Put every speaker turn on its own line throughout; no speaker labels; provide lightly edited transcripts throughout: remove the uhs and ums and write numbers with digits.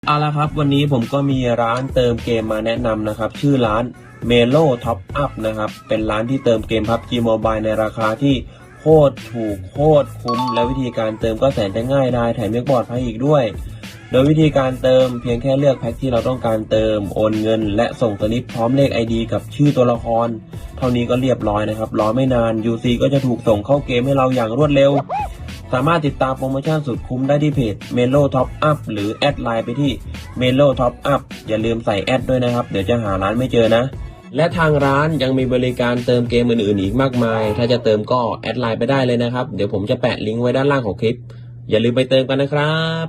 เอาละครับวันนี้ผมก็มีร้านเติมเกมมาแนะนำนะครับชื่อร้าน Melo Top Up นะครับเป็นร้านที่เติมเกม PUBG Mobile ในราคาที่โคตรถูกโคตรคุ้มและวิธีการเติมก็แสนจะง่ายได้แถมยังปลอดภัยอีกด้วยโดยวิธีการเติมเพียงแค่เลือกแพ็คที่เราต้องการเติมโอนเงินและส่งสลิปพร้อมเลข ID กับชื่อตัวละครเท่านี้ก็เรียบร้อยนะครับรอไม่นาน UC ก็จะถูกส่งเข้าเกมให้เราอย่างรวดเร็วสามารถติดตามโปรโมชั่นสุดคุ้มได้ที่เพจ Melo Top Up หรือแอดไลน์ไปที่ Melo Top Up อย่าลืมใส่แอดด้วยนะครับเดี๋ยวจะหาร้านไม่เจอนะและทางร้านยังมีบริการเติมเกมอื่นๆอีกมากมายถ้าจะเติมก็แอดไลน์ไปได้เลยนะครับเดี๋ยวผมจะแปะลิงก์ไว้ด้านล่างของคลิปอย่าลืมไปเติมกันนะครับ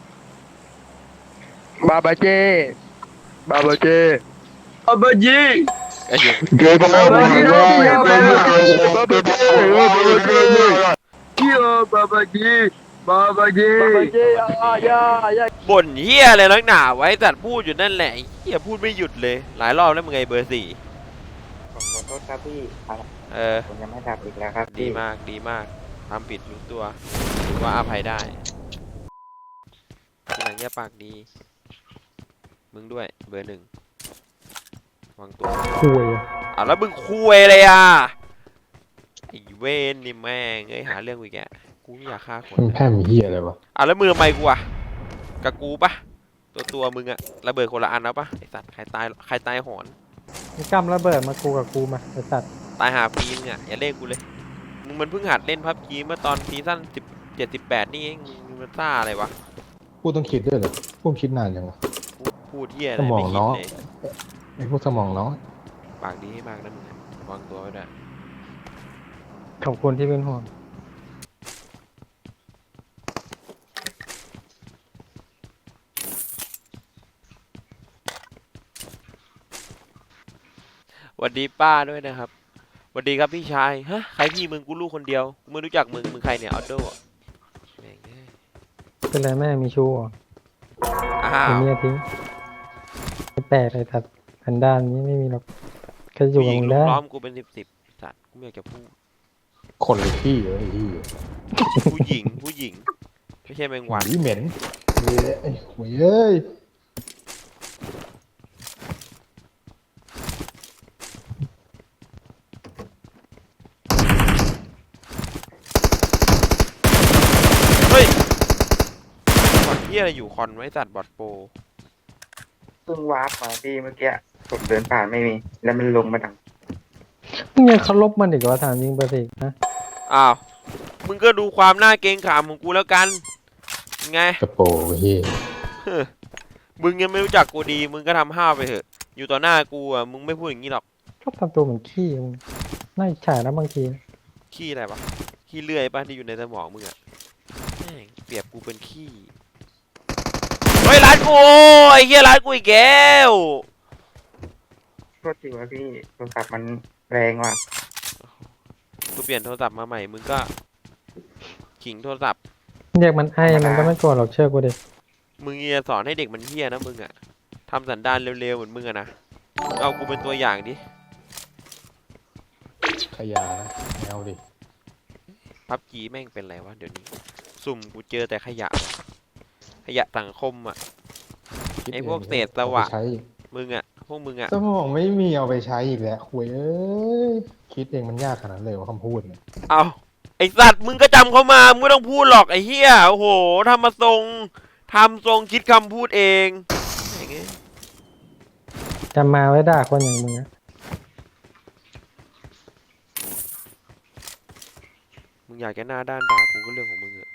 บาบาเจบาบาเจบาบาเจ
ไอ้เหี้ย
เกย์บาบาเจบาบาเจบาบาเจเกี่ยวบาบาเจบาบาเจ
บ่นเหี้ยอะไรนักหนาไว้แต่พูดอยู่นั่นแหละไอ้เหี้ยพูดไม่หยุดเลยหลายรอบแล้วมึงไงเบอร์สี่
ผมขอโทษครับพี่ผมยังไม่ดับอีกแล้วครับ
ดี
พี่
มากดีมากทำผิดรู้ตัวถือว่าอภัยได้ทีหลังอย่าปากดีมึงด้วยเบอร์หนึ่งวางตัว
คุย
แล้วมึงคุยเลยอ่ะไอ้เวนนี่แม่งเอ้ยหาเรื่องกูอีกแกกูไม่อยากฆ่าคน
มันแพ้มีเหี้ยอะไรวะ
แล้วมือไมกูอ่ะกับกูปะตัวมึงอะระเบิดคนละอันแล้วปะไอสัตว์ใครตายหอน
มึงกำระเบิดมากูกับกูมาไอ้สัตว์
ตายหาฟรีมึงอะอย่าเล่นกูเลยมึงมันเพิ่งหัดเล่นพับจีเมื่อตอนซีซั่น17-18นี่เองมึงมันซ่าอะไรวะ
กูต้องคิดด้วยเหรอกูคิดนานยังวะ
พูดเที่ยอะไร
สมอ
ไม่
ง
คิ
น้
ด
อง
เลย
ไอ้พวกสมองน้อง
ปากดีให้มากนะมึงอะวางตัวไว้ด้วย
ขอบคุณที่เป็นห่วง
สวัสดีป้าด้วยนะครับสวัสดีครับพี่ชายฮะใครพี่มึงกูลูกคนเดียวกูไม่รู้จักมึงใครเนี่ยออโต้แม่งเอ้ย
เป็นไรแม่มีชู้เหรอ
อ้า
เป็น
ว
เมียทิ้งไม่แปลกเลยสัตว์สันดานนี้ไม่มีหรอกแค่อยู่
ผู้ห
กับ
ญิง
มึง
ลุ
ได้
มล้อมกูเป็น10สัตว์กูไม่อยากจะพูด
คนหรือขี้ไอ้ที่
ผู้หญิงไม่ใช่แมงวัน
หวีเหม็นไอ้หวยเอ้ย
เฮ้ยคอนที่อะไรอยู่คอนไว้สัตว์บอดโปร
เพิ่งวาร์ปมาพี่เมื่อกี้ผมเดินผ่านไม่มี แล้วมันลงมาดัง
มึงยังเคารพมันอีกเหรอถามจริงประสิทธิ์นะ
อ้าวมึงก็ดูความน่าเกรงขามของกูแล้วกันไง
กระโปรงเฮีย
มึงยังไม่รู้จักกูดีมึงก็ทำห้าวไปเถอะอยู่ต่อหน้ากูอ่ะมึงไม่พูดอย่างนี้หรอก
ชอบทำตัวเหมือนขี้มึงน่าอิจฉานะบางที
ขี้อะไรวะขี้เลื่อยป่ะที่อยู่ในสมองมึงอ่ะแม่งเปรียบกูเป็นขี้เฮ้ยร้านกูไอ้เหี้ยร้านกูอีกแล้ว
โทษทีว่าพี่โทรศัพท์มันแรงว่ะ
กูเปลี่ยนโทรศัพท์มาใหม่มึงก็ขิงโทรศัพท์
เรียกมันไอ้มันก็ไม่โกรธหรอกเชื่อกูดิ
มึงอย่าสอนให้เด็กมันเหี้ยนะมึงอ่ะทำสันดานเร็วๆเหมือนมึงอะนะเอากูเป็นตัวอย่างดิ
ขยะนะแนวดิ
พับจีแม่งเป็นไรวะเดี๋ยวนี้สุ่มกูเจอแต่ขยะสังคมอ่ะ ไอ้พวกเศษสวะ
เอาไปใช้
มึงอ่ะพวกมึงอ่ะ
สมองไม่มีเอาไปใช้อีกแล้วหวยเอ้ยคิดเองมันยากขนาดนั้นเลยว่าคำพูดเนี่ย
เอาไอสัตว์มึงก็จำเขามามึงไม่ต้องพูดหรอกไอเฮียโอ้โหทำทรงคิดคำพูดเองอย่างเงี้ย
จำมาไว้ด่าคนอย่างมึงนะ
มึงอยากจะหน้าด้านด่ากูก็เรื่องของมึงเถอะ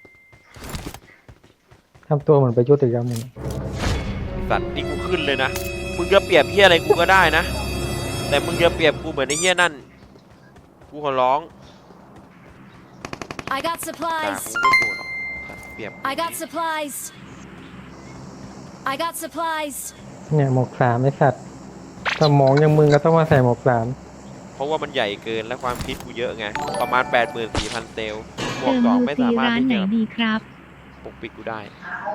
ทำตัวเหมือนประยุทธ์อีกแล้วมึง
ไอ้สัตว์นี่กูขึ้นเลยนะมึงจะเปรียบเฮียอะไรกูก็ได้นะแต่มึงจะเปรียบกูเหมือนไอเฮียนั่นกูขอร้อง
I got
ด่า
supplies.
กูไม่โกรธหรอกสัตว์เปรียบ
I got supplies. I got supplies.
เนี่ยหมวกสามไอ้สัตว์สมองอย่างมึงก็ต้องมาใส่หมวกสาม
เพราะว่ามันใหญ่เกินและความคิดกูเยอะไงประมาณ 84,000 เซลล์บว
เติ
ก
ม
สอง
ยู
ไม่
ซี
สามารถ
ร้าน
ที่
ไหน
จะ
ดีครับ
ปกปิดกูได้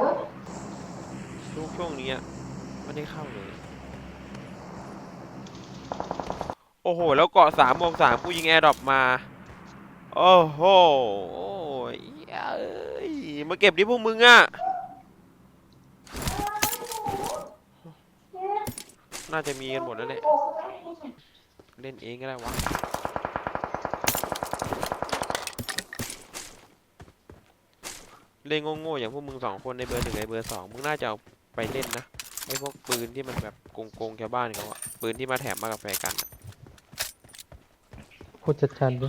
ช่วงนี้ไม่ได้เข้าเลยโอ้โหแล้วเกาะ3 บวก 3กูยิงแอร์ดรอปมาโอ้โหโอ้ยเอ้ยมาเก็บดิพวกมึงอะน่าจะมีกันหมดแล้วแหละเล่นเองก็ได้วะเล่นโง่ๆอย่างพวกมึงสองคนในเบอร์ 1ไอเบอร์ 2มึงน่าจะเอาไปเล่นนะไอพวกปืนที่มันแบบโกงชาวบ้านเขาอะปืนที่มาแถมมากับแฟร์กันอะ
พูดชัดๆดิ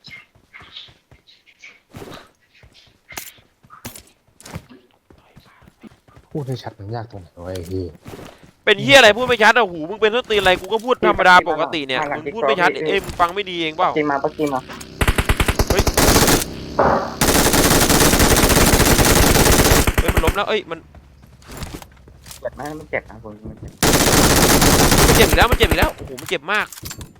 พูดให้ชัดมันยากตรงไหนวะไอ้เหี้ย
เป็นเฮียอะไรพูดไม่ชัดอะหูมึงเป็นต้นตีนอะไรกูก็พูดธรรมดาปกติเนี่ยมึงพูดไม่ชัดเอ็มงฟังไม่ดีเองเปล่า
ปักกี้มาปักกี้มา
เฮ้ยมันล้มแล้วเอ้ยมัน
เจ็บไหมมันเจ็บนะผมมันเจ็บ
เจ็บอีกแล้วมันเจ็บอีกแล้วโอ้โหมันเจ็บมาก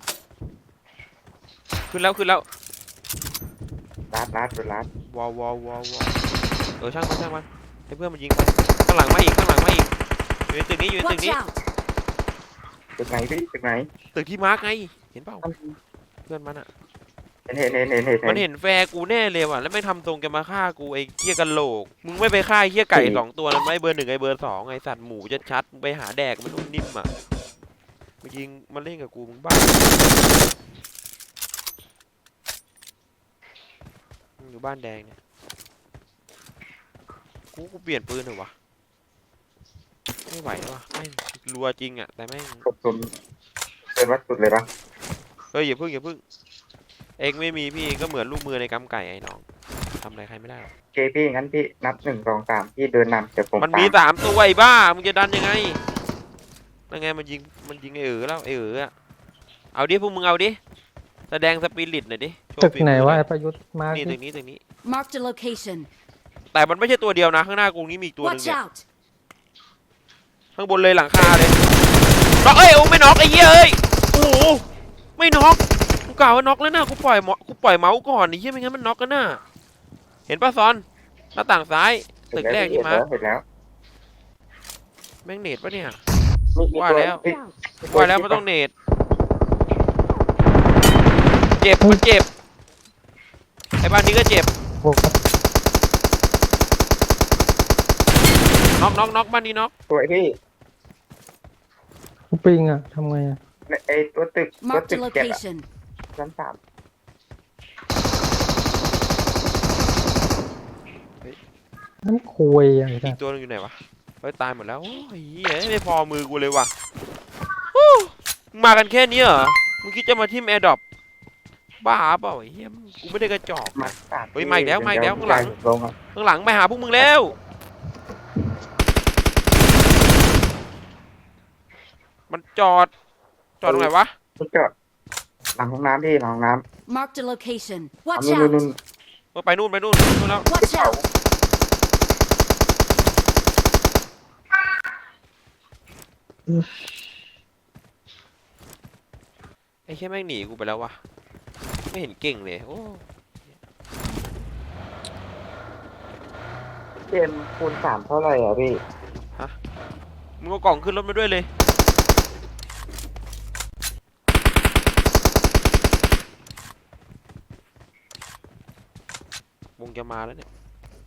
ขึ้นแล้ว
รัด
วอช่างมันให้เพื่อนมันยิงไปข้างหลังมาอีกอยู่ในตึกนี้
Watch out!
ตึกไหนพี่ตึกไหน
ตึกที่มาร์กไงเห็นเปล่าเพื่อนมันอะ
เห็น
มันเห็นแฟร์กูแน่เลยว่ะแล้วไม่ทำตรงแกมาฆ่ากูไอ้เหี้ยกันโหลกมึงไม่ไปฆ่าไอ้เหี้ยไก่2ตัวนั้นไหมเบอร์ 1ไอ้เบอร์ 2ไอ้สัตว์หมูชัดๆมึงไปหาแดกมันนุ่มนิ่มอะมายิงมาเล่นกับกูมึงบ้ามึงอยู่บ้านแดงเนี่ยกูเปลี่ยนปืนเถอะวะไม่ไหวแล้ววะแม่งรัวจริงอะแต่แม่ง
กดตุนเป็นวัดสุดเลยปะ
เฮ้ยอย่าพึ่งเองไม่มีพี่เองก็เหมือนลูกมือในกำไก่ไอ้น้องทำอะไรใครไม่ได้หรอก
โอเคพี่งั้นพี่นับ1 2 3พี่เดินนำเดี๋ยวผม
มันมี
ตาม
3 ตัวไอ้บ้ามึงจะดันยังไงนั่นไงมันยิงไอ้แล้วไอ้อะเอาดิพวกมึงเอาดิแสดงสปิริตหน่อยดิโชว์
ตึก
ฝี
ไหน
มือ
วะ
ห
ไอ้
อย
ประยุทธ์มา
นี่
ดิ
ตึกนี้
Marked a location.
แต่มันไม่ใช่ตัวเดียวนะข้างหน้ากูนี้มีอีกตัวหนึง
Watch
เนี่ย
out!
ข้างบนเลยหลังคาเลยน็อกเอ้ยโอ้ไม่น็อกไอ้เหี้ยเอ้ยโอ้โหไม่น็อกกูกล่าวว่าน็อกแล้วนะกูปล่อยเมาส์ก่อนไอ้เหี้ยไม่งั้นมันน็อกกันน่ะเห็นป่ะซอนหน้าต่างซ้ายตึกแรกที่มา
เห็นแล้ว
แม่งเนตปะเนี่ย
มี
ว่าแล้ว
พี่
ว่าแล้วมันต้องเนตเจ็บมันเจ็บไอ้บ้านนี้ก็เจ็บ
โอ้โห
น็อกบ้านนี้น็อก
สวยพี่
กูปิงอ่ะทำไงอ่ะ
ไอตัวตึก
Marked a
เจ็บอะ
location.
ชั้น 3
น้ำคุยอ่ะไอ้
อี
สั
ก
ส
ตัวนึงอยู่ไหนวะเฮ้ยตายหมดแล้วโอ้ยเหี้ยไม่พอมือกูเลยว่ะโอ้มึงมากันแค่นี้เหรอมึงคิดจะมาทิมแอร์ดรอปบ้าเปล่าไอ้เหี้ยกูไม่ได้กระจอก
มา
นะ
สาม
เฮ้ยมาอีกแล้วข้างหลัง
ลงอ่ะ
ข้างหลังไปหาพวกมึงแล้วมันจอดตรงไหนวะ
คุณจอดหลังห้องน้ำพี่หลังห้องน้
Marked a location.
ำเอา
Watch
นู่น
out!
ไปนู่นแล้ว
Watch out!
ไอ้แค่แม่งหนีกูไปแล้ววะไม่เห็นเก่งเลยโอ้
เกมคูณ 3เท่าไหร่อ่ะพี่
มึงเอากล่องขึ้นรถมาด้วยเลยวงจะมาแล้วเนี่ย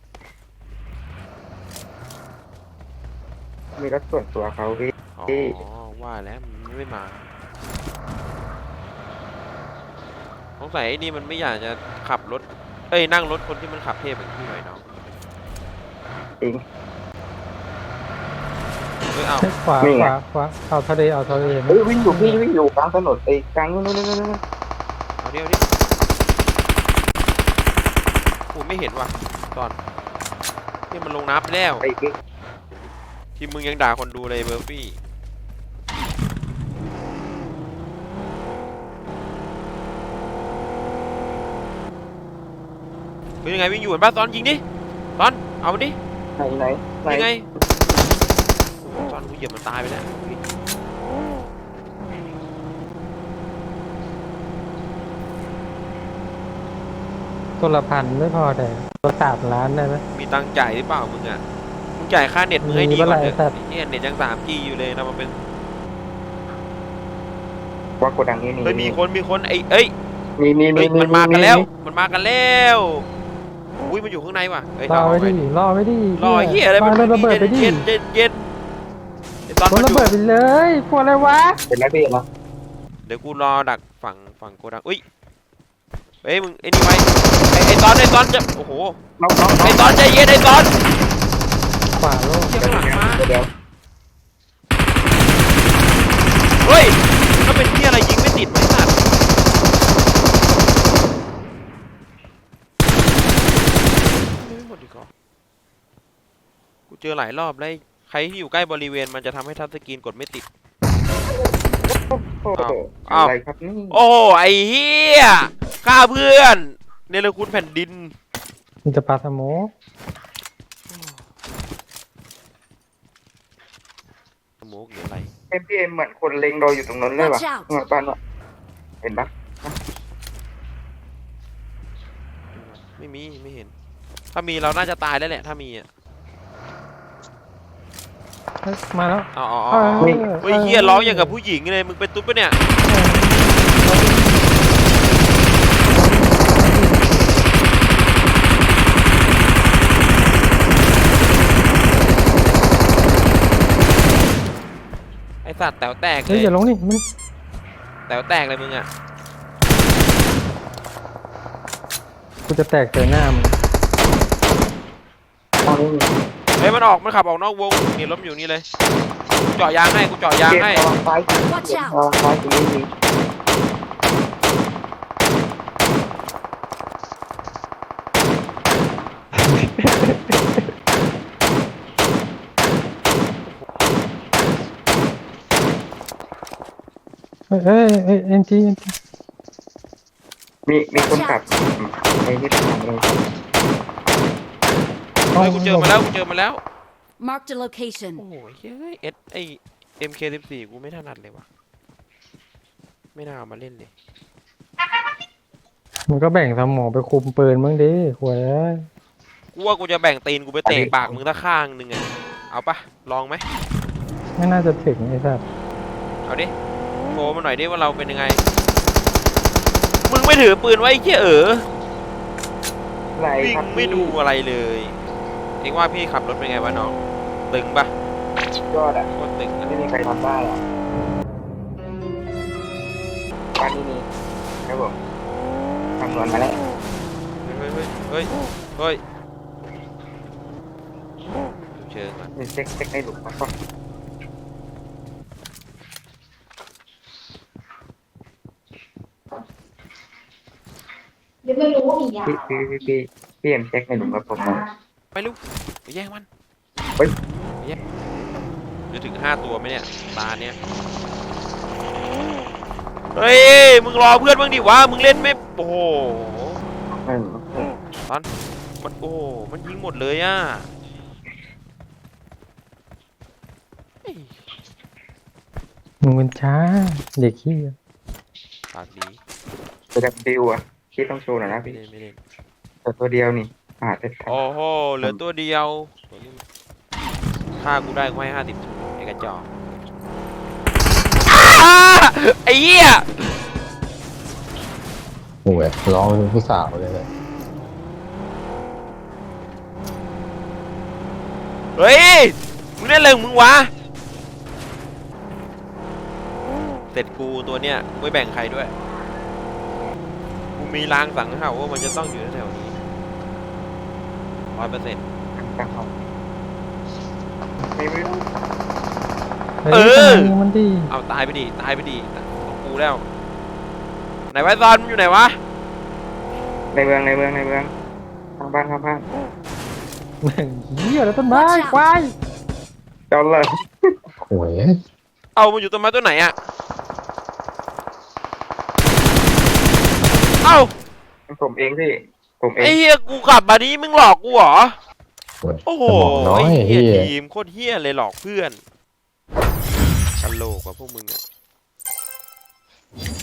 มีรถส่วนตัวเขาพี่
อ๋อว่าแล้วมันไม่มาสงสัยไอ้นี่มันไม่อยากจะขับรถนั่งรถคนที่มันขับเทพอย่างพี่หน่อยน้อง
จริง
เอา
ให้ขวา
นี่ไง
ขวาเอาทะเลเอาทะเล
เฮ้ยวิ่งอยู่พี่วิ่งอยู่กลางถนนไอ้กลางนู่น
เอาดิกูไม่เห็นว่ะตอนที่มันลงน้ำไปแล้ว
ไอ้พี่
ที่มึงยังด่าคนดูเลยเบอร์ฟี่เป็นยังไงวิ่งอยู่เห็นป่ะตอนยิงดิตอนเอามันดิ
ไหน
ยังไงตอนกูเหยียบมันตายไปแล้ว
ตัวละ1,000ไม่พอแต่ตัว3 ล้านได้ไหม
มีตังค์จ่ายหรือเปล่ามึงอ่ะมึงจ่ายค่าเน็ตมึงให้ดีก่อนเถ
มีเมื่อไหร่สั
อะ
ตว์
เนี่ยเน็ตยัง 3G อยู่เลยนะมันเป็น
ว่ากดดังนี้
เฮ้ยมีคนเอ้ย
มี
เฮ้ยมันมากันแล้วอุ้ยมันอยู่ข้างในว่ะเฮ้ย
รอไว้ดิรอไว้ดิ
รอเฮียอะไร
ปาระเบิดไปดิ
เย็นไอ้ตอน
โด
มัน นอ
ระ
ยู่
เบิดไปเลยพวกอะไรวะ
เป็นแล้วพี่เหรอ
เดี๋ยวกูรอดักฝั่งโกดังอุ้ยเฮ้ยมึงไอ้นี่ไว้ไอ้ตอนจะโอ้โห
น้อง
ไอ้ตอนใจเย็นไอ้ตอน
ขวาโลก
เที่ยวข้างหลังมา
เดี๋ยว
เฮ้ยถ้าเป็นที่อะไรยิงไม่ติดไม่สัตว์ไม่หมดดีกว่ากูเจอหลายรอบแล้วใครที่อยู่ใกล้บริเวณมันจะทำให้ทัชสกรีนกดไม่ติด
โอ้โห
อ้าว
อะไรครับนี่
โอ้ไอ้เฮียฆ่าเพื่อนเนรคุณแผ่นดิน
มันจะปาสโมก
สโมกหรืออะไร
พี่เอ็มเหมือนคนเล็งเราอยู่ตรงนั้นเลยว่ะ
Watch out
เหมือนบ้านว่ะเห็นปะ
ไม่มีไม่เห็น ถ้ามีเราน่าจะตายแล้วแหละถ้ามีอ่ะ
เฮ้ยมาแล้ว
อ๋อ
เออ
เฮ้ยเฮียร้องอย่างกับผู้หญิงเลยมึงเป็นตุ๊ดปะเนี่ยไอสัตว์แต๋วแตกเล
เฮ้ย
ย
อย่าลงนี่มัน
แต๋วแตกเลยมึงอ่ะ
กูจะแตกใส่หน้ามึง
ตอนนี้
เฮ้ยมันขับออกนอกวงนี่ล้มอยู่นี่เลยกูเจาะยางให้กูเจาะยาง
เก็บ
ให้
ระวังซ้าย
Watch out
ระวังซ้ายตรงนี้มี
เฮ้ยเอ็นจี
มีคนขับไปที่ทางเลย
เฮ้ยกูเจอมาแล้ว
Marked a location.
โอ้ยเฮ้ยMK14 กูไม่ถนัดเลยว่ะไม่น่าเอามาเล่นเลย
มันก็แบ่งสมองไปคุมปืนบ้างดิหวย
กูว่ากูจะแบ่งตีนกูไปเตะปากมึงตะข้างหนึ่งอ่ะเอาปะลองไหม
ไม่น่าจะถึงไอ้สัส
เอาดิโชว์มาหน่อยดิว่าเราเป็นยังไงมึงไม่ถือปืนไว้ไอ้เหี้ย
อะไร
วิ่ง
ครับ
ไม่ดูอะไรเลยเองว่าพี่ขับรถเป็นไงวะน้องตึงปะ
ยอดอ่ะ
โคตรตึงอะ
ไม่มีใครทำได้หรอกบ้านนี้มีครับผมคำนวณมาแล้ว
เฮ้ยดูเชิงก่อน
มีเช็คในหลุมมาก่อน
ยังไม่รู้ว่ามียา
พี่เอ็มเช็คในหลุมกับผมหน่อย
ไปลูกไปแย่งมัน
เฮ้ย
ไปแย่งจะถึง5 ตัวไหมเนี่ยตาเนี้ยเฮ้ยมึงรอเพื่อนบ้างดิวะมึงเล่นไม่โอ้โห
หนึ่ง
มันโอ้โหมันยิงหมดเลยอ่ะเฮ้ย
มึงมันช้าเด็กขี้
ปากดี
ตัวดับบิวอ่ะพี่ต้องโชว์หน่อยนะ
ไม่
พี่
เล่นไม่เล่น
ตัวเดียวนี่จะท
โอ้โหเหลือตัวเดียวตัวนี้มันฆ่ากูได้กูให้50ไอ้กระจอกอ้าไอ้เหี้ย
โอ้ยร้องเป็นผู้สาวเลย
เฮ้ยมึงเล่นอะไรของมึงวะเสร็จกูตัวเนี้ยไม่แบ่งใครด้วยกูมีลางสังหาว่ามันจะต้องอยู่แถวๆนี้100%
ำตั้งเขาไม่รู้
เฮ้ยยิงมันดิ
เอาตายไปดิของกูแล้วไหนไว้ซอนมันอยู่ไหนวะ
ในเมืองข้างบ้าน
เหี้ยแล้วต้นไม้
Watch out
ควาย
จอดเลย
โอ้ย
เอามันอยู่ต้นไม้ต้นไหนอะเอ้า
ผมเองพี่ผมเอ
ไอ้
ง
เฮียกูขับมานี้มึงหลอกกูเหรอ
โอ้
โอ้โห
สมองน้อย
ไอ้เฮีย
เฮีย
ทีมโคตรเฮียเลยหลอกเพื่อนกันโหลกว่าพวกมึงอะ